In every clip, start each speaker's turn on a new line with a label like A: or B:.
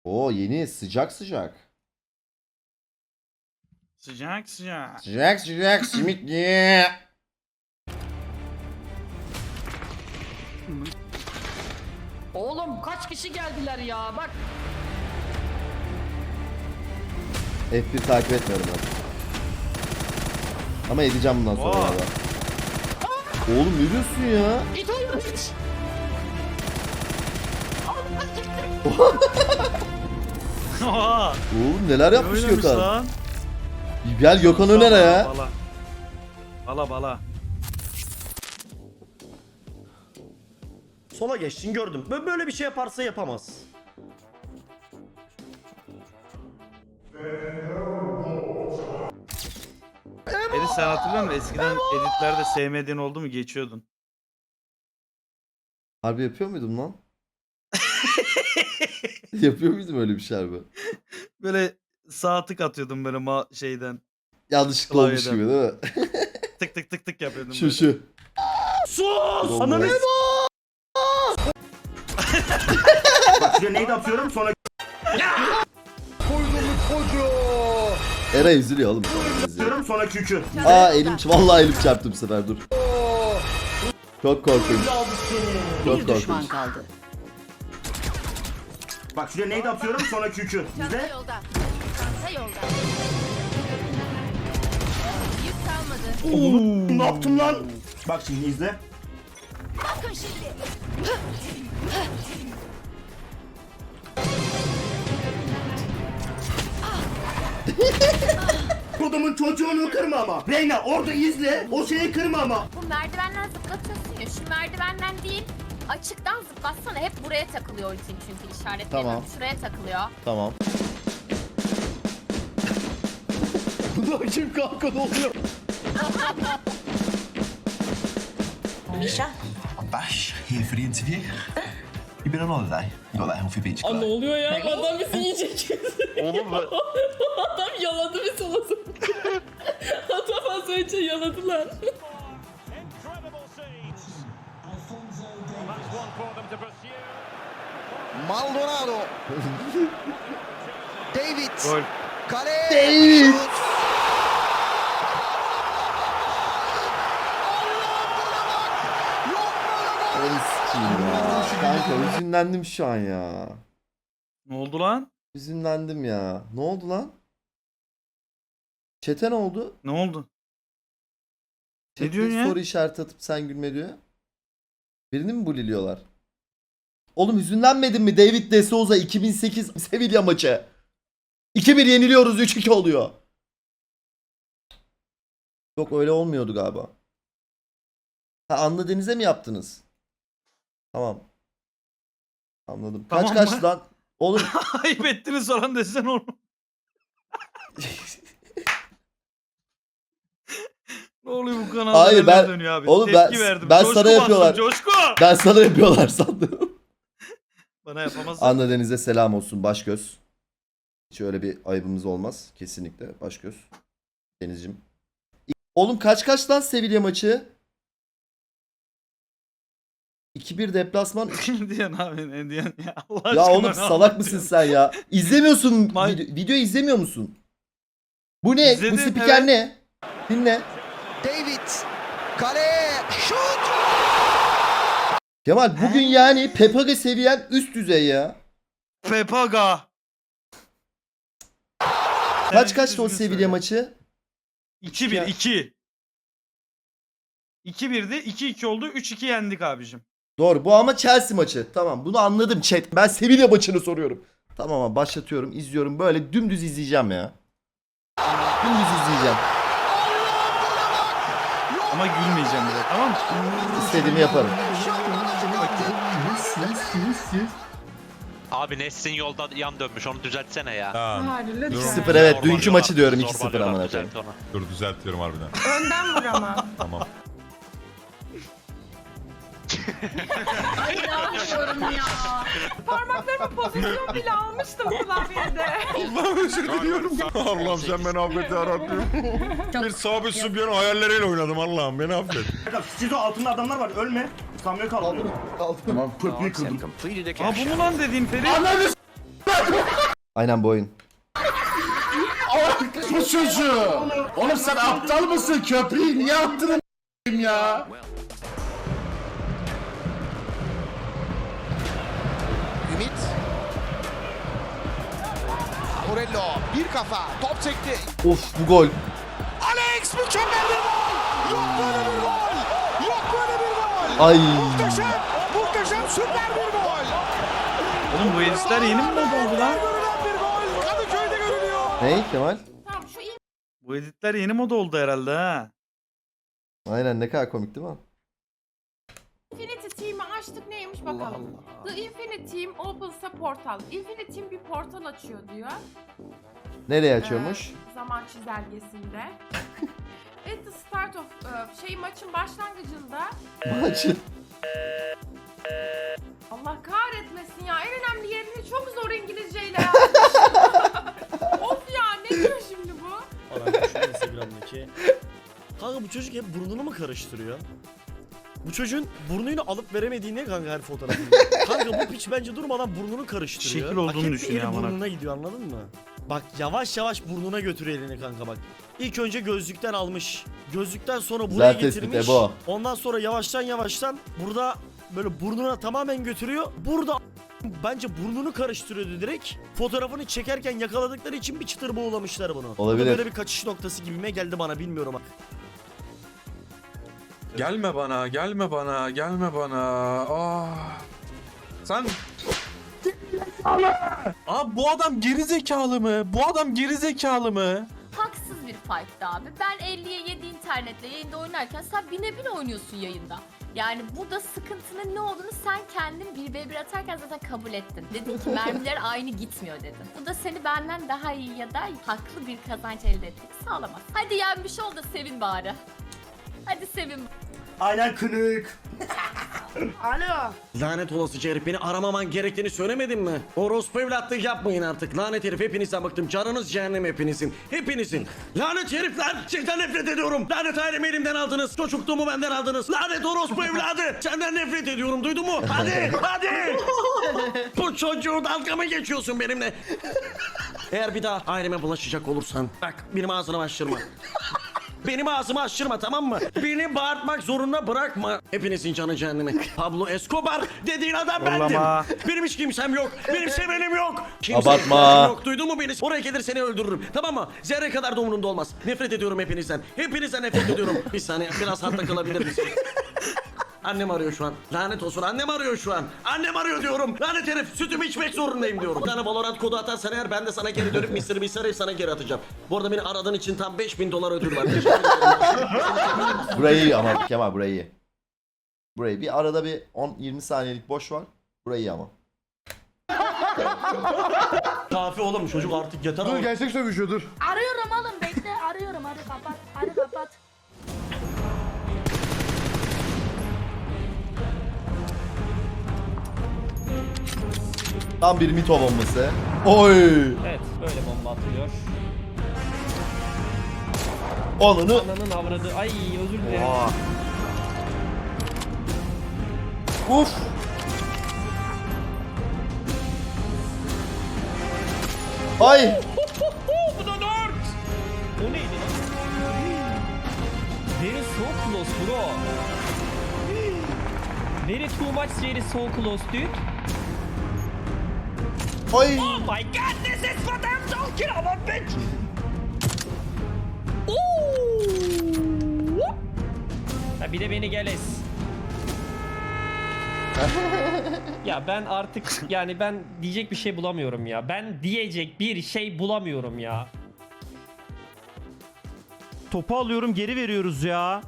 A: Oo yeni sıcak sıcak.
B: Sıcak sıcak.
A: Sıcak sıcak simit ye.
C: Oğlum kaç kişi geldiler ya bak.
A: F1 takip etmiyorum ben. Ama edeceğim bundan sonra
B: Oha.
A: da. Oğlum ne diyorsun ya?
C: İt oyunu hiç.
B: Oha.
A: Oğlum neler yapmış
B: Oynamış
A: Gökhan?
B: lan.
A: Gel Gökhan Öner'e ya.
B: Bala. Bala bala.
D: Sola geçtin gördüm. Böyle bir şey yaparsa yapamaz.
B: Edit sen hatırlıyor musun? Eskiden editlerde sevmediğin oldu mu geçiyordun.
A: Harbi yapıyor muydum lan? Yapıyor muydum öyle bir şey harbi?
B: Böyle sağ tık atıyordum böyle şeyden.
A: Yanlışlıkla olmuş
B: Klavyeden.
A: gibi değil mi?
B: Tık tık tık tık yapıyordum
A: Şu
B: böyle.
A: şu.
D: Sus! Ananı Bak şuraya neydi atıyorum sonra
A: Eray üzülüyor oğlum.
D: atıyorum sonra kükü.
A: Aa vallahi elim çarptı bu sefer dur. Çok korkunç. Çok
C: Bir düşman
A: korkunç.
C: kaldı.
D: Bak şuraya neydi atıyorum sonra kükü.
E: Çanta
D: İzle.
E: yolda. Çanta yolda. Yük kalmadı.
D: Ne yaptım lan? Bak şimdi izle.
E: Bakın şimdi.
D: Kodumun çocuğunu kırma ama. Reyna orada izle. O şeyi kırma ama.
E: Bu merdivenden zıplatıyorsun ya. Şu merdivenden değil. Açıktan zıplatsana. Hep buraya takılıyor ultin çünkü işaretlerim.
A: Tamam.
E: Şuraya takılıyor.
A: Tamam. Kim kanka ne oluyor?
C: Misha.
F: Bash, here for the interview. You been on holiday? You got that healthy beach
G: Aa, ne
F: glow?
G: oluyor ya? Adam bizi yiyecek.
B: Oğlum ben...
G: Adam yaladı bizi o zaman. Adam az önce yaladılar.
H: Maldonado. David.
B: Gol.
H: Kale.
A: David.
H: Şut.
A: Ay sikeyim ya. Kanka hüzünlendim şu an ya.
B: Ne oldu lan?
A: Hüzünlendim ya. Ne oldu lan? Çete ne oldu?
B: Ne oldu?
A: Chat'te
B: diyorsun ya?
A: soru işareti atıp sen gülme diyor. Birini mi buliliyorlar? Oğlum hüzünlenmedin mi David De Souza 2008 Sevilla maçı? 2-1 yeniliyoruz 3-2 oluyor. Yok öyle olmuyordu galiba. Ha Anlı Deniz'e mi yaptınız? Tamam. Anladım.
B: Tamam
A: Kaç
B: mı?
A: lan? Oğlum
B: Ayıp ettiniz falan desen oğlum. Ne oluyor bu kanalda?
A: Hayır,
B: neler
A: ben-
B: dönüyor abi?
A: oğlum
B: Tepki
A: ben-
B: verdim.
A: ben
B: Coşku
A: sana
B: bastım,
A: yapıyorlar.
B: Coşku.
A: ben sana yapıyorlar sandım.
B: Bana yapamazsın.
A: Anla Deniz'e selam olsun Başgöz. Hiç öyle bir ayıbımız olmaz. Kesinlikle Başgöz. Deniz'cim. Oğlum kaç lan Sevilla maçı? 2-1 deplasman.
B: Ne diyorsun abi? Ne diyorsun ya? Allah
A: Ya
B: aşkına
A: oğlum
B: ne
A: salak
B: anlatıyorsun?
A: mısın sen ya? İzlemiyorsun.
B: May-
A: Video izlemiyor musun? Bu ne?
B: İzledim,
A: Bu spiker
B: evet.
A: ne? Dinle.
H: David. Kale. Şut.
A: Kemal bugün yani Pepaga seviyen üst düzey ya.
B: Pepaga.
A: Kaçtı o
B: düzgün
A: Sevilla
B: söyle.
A: maçı?
B: 2-1 2. 2-1'di. 2-2 oldu. 3-2 yendik abicim.
A: Doğru bu ama Chelsea maçı. Tamam bunu anladım chat. Ben Sevilla maçını soruyorum. Tamam abi başlatıyorum izliyorum. Böyle dümdüz izleyeceğim ya. Dümdüz izleyeceğim.
B: Ama gülmeyeceğim bile, tamam mı?
A: İstediğimi yaparım.
I: Abi Nesrin yolda yan dönmüş onu düzeltsene ya.
J: Tamam.
A: 2-0 evet dünkü
I: Zorbalıyorlar,
A: maçı diyorum 2-0
I: zorbalıyorlar,
A: amına
I: düzelt
A: koyayım.
I: onu.
J: Dur düzeltiyorum harbiden.
G: Önden vur ama.
J: Tamam.
G: Ay inanmıyorum ya. Parmaklarımı pozisyon bile almıştım klavyede.
J: Allah'ım özür diliyorum. Allah'ım sen beni affet yarabbim. Bir sabit sübyanın hayalleriyle oynadım Allah'ım beni affet.
D: Siz o altında adamlar var ölme. Samuel kaldı.
A: Aldım.
D: Tamam. Köprüyü kırdım.
B: Aa bu mu lan dediğin Ferit?
A: Aynen bu oyun.
J: Bu çocuğu. Oğlum sen aptal mısın? Köpeği niye attın ya?
H: Ümit. Morello bir kafa top sekti.
A: Of bu gol.
H: Alex mükemmel bir gol. Yok böyle bir gol. Yok böyle bir gol.
A: Ay.
H: Muhteşem, muhteşem süper bir gol.
B: Oğlum bu editler yeni mi oldu lan?
H: Görülen bir gol. Kadıköy'de görülüyor.
A: Ney Kemal?
E: Tamam şu iyi
B: Bu editler yeni moda oldu herhalde ha.
A: Aynen ne kadar komik değil mi?
K: Infinity Team'i açtık neymiş bakalım. The Infinity Team opens a portal. Infinity Team bir portal açıyor diyor.
A: Nereye açıyormuş?
K: Zaman çizelgesinde. At the start of maçın başlangıcında
A: Maçı.
K: Allah kahretmesin ya en önemli yerini çok zor İngilizceyle ya. Of ya ne diyor şimdi bu?
D: Instagram'daki. Kanka bu çocuk hep burnunu mu karıştırıyor? Bu çocuğun burnunu alıp veremediği ne kanka her fotoğrafında? Kanka bu piç bence durmadan burnunu karıştırıyor.
B: Şekil olduğunu
D: Bak, hep
B: düşünüyor
D: eli
B: amına.
D: burnuna gidiyor anladın mı? Bak yavaş yavaş burnuna götürüyor elini kanka bak. İlk önce gözlükten almış. Gözlükten sonra buraya
A: Güzel tespit
D: getirmiş.
A: Ebo.
D: Ondan sonra yavaştan burada böyle burnuna tamamen götürüyor. Burada bence burnunu karıştırıyordu direkt. Fotoğrafını çekerken yakaladıkları için bir çıtır boğulamışlar bunu.
A: Olabilir.
D: Bu da böyle bir kaçış noktası gibime geldi bana bilmiyorum bak.
J: Gelme bana, gelme bana, gelme bana. Ah. Sen... Abi bu adam geri zekalı mı? Bu adam geri zekalı mı?
E: haksız bir fight'tı abi. Ben 50'ye 7 internetle yayında oynarken sen 1000'e 1000 oynuyorsun yayında. Yani burada sıkıntının ne olduğunu sen kendin 1v1 atarken zaten kabul ettin. Dedin ki mermiler aynı gitmiyor dedin. Bu da seni benden daha iyi ya da haklı bir kazanç elde etmek sağlamaz. Hadi yenmiş ol da sevin bari. Hadi sevin.
D: Aynen kınık.
K: Alo.
D: Lanet olası herif beni aramaman gerektiğini söylemedin mi? Orospu evlatlık yapmayın artık. Lanet herif hepinizden bıktım. Canınız cehennem hepinizin. Hepinizin. Lanet herifler. Sizden nefret ediyorum. Lanet ailemi elimden aldınız. Çocukluğumu benden aldınız. Lanet orospu evladı. Senden nefret ediyorum. Duydun mu? Hadi. Hadi. Bu çocuğu dalga mı geçiyorsun benimle? Eğer bir daha aileme bulaşacak olursan bak benim ağzını açtırma. Benim ağzımı açtırma tamam mı? Beni bağırtmak zorunda bırakma. Hepinizin canı cehennemi. Pablo Escobar dediğin adam
B: Yollama.
D: bendim. Benim hiç kimsem yok. Benim sevenim yok.
A: Abartma.
D: Yok. Duydun mu beni? Oraya gelir seni öldürürüm. Tamam mı? Zerre kadar da umurumda olmaz. Nefret ediyorum hepinizden. Hepinizden nefret ediyorum. Bir saniye biraz hatta kalabilir misin? Annem arıyor şu an. Lanet olsun annem arıyor şu an. Annem arıyor diyorum. Lanet herif sütümü içmek zorundayım diyorum. Bir tane Valorant kodu atarsan eğer ben de sana geri dönüp Mr. Beast'e sana geri atacağım. Bu arada beni aradığın için tam $5000 ödül var. Teşekkür ederim.
A: Burayı iyi ama Kemal burayı iyi. Burayı bir arada bir 10-20 saniyelik boş var. Burayı iyi ama.
D: Kafi oğlum çocuk artık yeter ama.
J: gerçek sövüşüyor dur.
E: Arıyorum oğlum bekle arıyorum hadi kapat. Hadi kapat.
A: Tam bir mito bombası. Oy!
C: Evet böyle bomba atılıyor.
A: Onunu
C: Ananın avradı. Ay özür dilerim.
A: uf. Ay!
C: Bu da 4. O neydi lan? Very so close bro. Very too much very so close dude.
A: Ay!
C: Oh my god, this is what I'm talking about, bitch! Ooh. Ha bir de beni geles. Ya ben artık yani ben diyecek bir şey bulamıyorum ya. Ben diyecek bir şey bulamıyorum ya.
D: Topu alıyorum geri veriyoruz ya.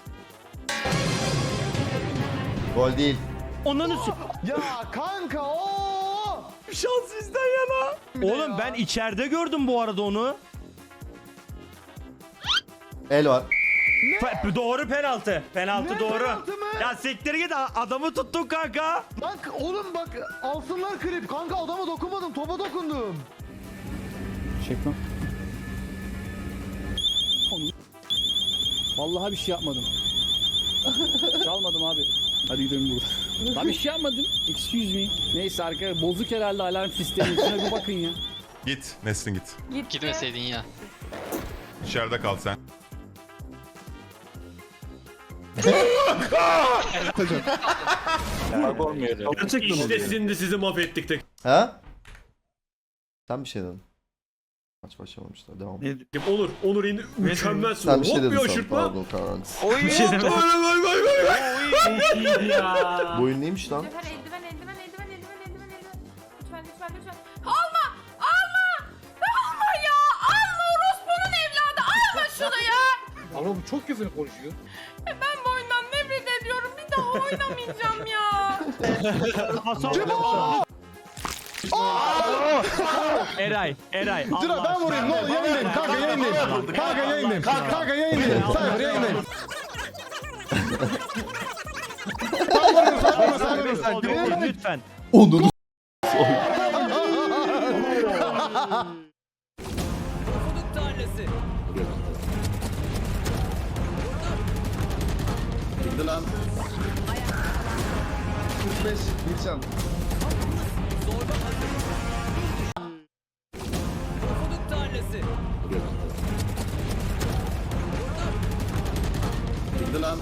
A: Gol değil.
D: Ondan
H: Ya kanka o.
D: şans bizden yana. Oğlum ben içeride gördüm bu arada onu.
A: El var.
D: Doğru penaltı. Penaltı
H: Ne
D: doğru.
H: penaltı mı?
D: Ya siktir git adamı tuttun kanka.
H: Bak oğlum bak alsınlar klip. Kanka adama dokunmadım topa dokundum.
C: Çekmem. Vallahi bir şey yapmadım. Çalmadım abi. Hadi gidelim buradan. Lan bir şey yapmadım. Excuse me. Neyse arkadaşlar bozuk herhalde alarm sistemi. Şuna bir bakın ya.
J: Git Nesrin git.
E: Gitti.
I: ya.
J: İçeride kal sen.
D: İşte şimdi sizi mahvettik de.
A: Ha? Sen bir şey dedin. Maç başlamamışlar. Devam.
B: Ne
D: Olur. Onur indi. Mükemmel
A: Sen bir şey
D: Hop
A: dedin
D: bir
A: sana.
D: aşırtma.
A: Pardon Kaan.
B: bir şey demedim.
A: Bu oyun neymiş lan?
K: Eldiven, eldiven, eldiven, eldiven, eldiven, eldiven, eldiven. Lütfen, lütfen, lütfen. Alma! Alma! Alma ya! Alma orospunun evladı! Alma şunu ya!
H: Ama bu çok küfür konuşuyor.
K: Ben bu oyundan nefret ediyorum. Bir daha oynamayacağım ya.
C: Eray.
H: Dur ben vurayım ne olur yayındayım kanka yayındayım. Kanka yayındayım. Kanka yayındayım. Cypher yayındayım.
C: Lütfen.
A: Onunu
H: Gitti lan. 45 Gülşen. Gitti lan.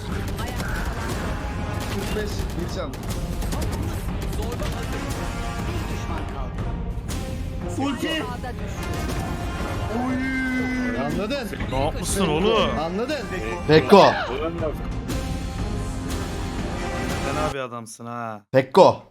H: 45 Gülşen.
D: Ulti.
H: Anladın?
B: Ne yapmışsın oğlum?
H: Anladın?
A: Pekko.
B: Sen abi adamsın ha.
A: Pekko.